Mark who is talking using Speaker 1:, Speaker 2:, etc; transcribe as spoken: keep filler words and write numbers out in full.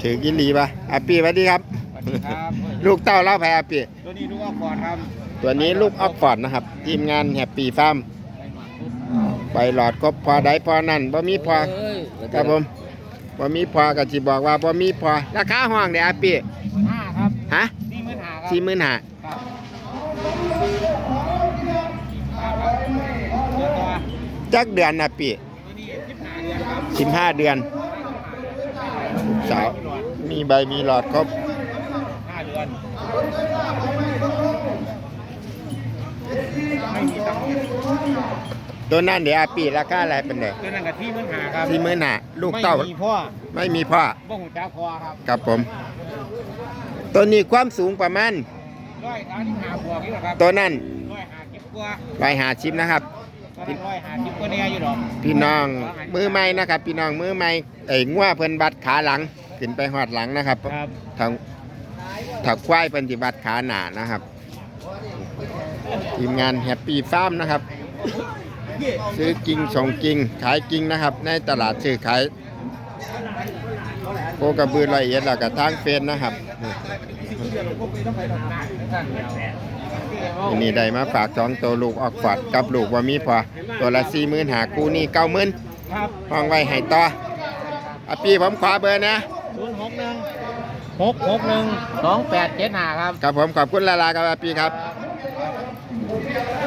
Speaker 1: ถือกินดีปะอาปีสวัสดีครับ
Speaker 2: สวัสดีครับ
Speaker 1: ลูกเต้าเล่าแพอาปี
Speaker 2: ตัวนี้ลูกออกก่อนครับ
Speaker 1: ตัวนี้ลูกออกฟอร์ดนะครับทีมงานแฮปปี้ฟาร์มไปหลอดครบพอได้พอนั่นบ่มีพอครับผมบ่มีพอก็สิบอกว่าบ่มีพอราคาห้องเด้อาปี
Speaker 2: ห้าครับ
Speaker 1: ฮะ
Speaker 2: สี่หมื่นห้าครับ
Speaker 1: สี่หมื่นห้า
Speaker 2: ครับครับเดี๋ยวตัว
Speaker 1: จักเดือนอาปี
Speaker 2: ตัวนี้สิบห้าเดือนครับ
Speaker 1: สิบห้าเดือนสาวมีใบมีหลอดครบ
Speaker 2: ห้าเดือนไม่มีตังค์
Speaker 1: ตัวนั้นเดี๋ยวอาปีราคาอะไรเป็นเด้
Speaker 2: ตัวนั้นกับที่หมื่นห้าครับ
Speaker 1: สี่หมื่นห้าลูกเต้า
Speaker 2: ไม่มีพ่อ
Speaker 1: ไม่มีพ่อ
Speaker 2: บ่หูจักพ่อครับ
Speaker 1: ครับผม ตัวนี้ความสูงประมาณ
Speaker 2: ร้อยสามสิบห้าบวกนี่แหละครับ
Speaker 1: ตัวนั้น
Speaker 2: ร้อยห้าสิบกว่า
Speaker 1: ไปหาชิปนะครับ
Speaker 2: ตัวนั้นร้อยห้าสิบกว่าเนี่ยอยู่หรอก
Speaker 1: พี่น้องมือใหม่นะครับ พี่น้องมือใหม่ไอ้งัวเพิ่นบัดขาหลังขึ้นไปหอดหลังนะครับ
Speaker 2: ครับ
Speaker 1: ทางถักควายเพิ่นสิบัดขาหนานะครับ ทีมงานแฮปปี้ฟาร์มนะครับ ซื้อกิ่งส่งกิ่งขายกิ่งนะครับ ในตลาดซื้อขายโคกระบือละเอียดแล้วก็ทางเฟซนะครับอันนี้ได้มาฝากสองตัวลูกออกฟอดกับลูกว่ามีพอตัวละสี่หมื่นหากูนี่เก้าหมื่น
Speaker 2: ครับ
Speaker 1: ห้องไว้ให้ต่ออาปีผมขอเบอร์นะ
Speaker 2: ศูนย์หกหนึ่งหกหกหนึ่งสองแปดเจ็ดห้าครับ
Speaker 1: ครับผมขอบคุณลาลาครับอาปีครับ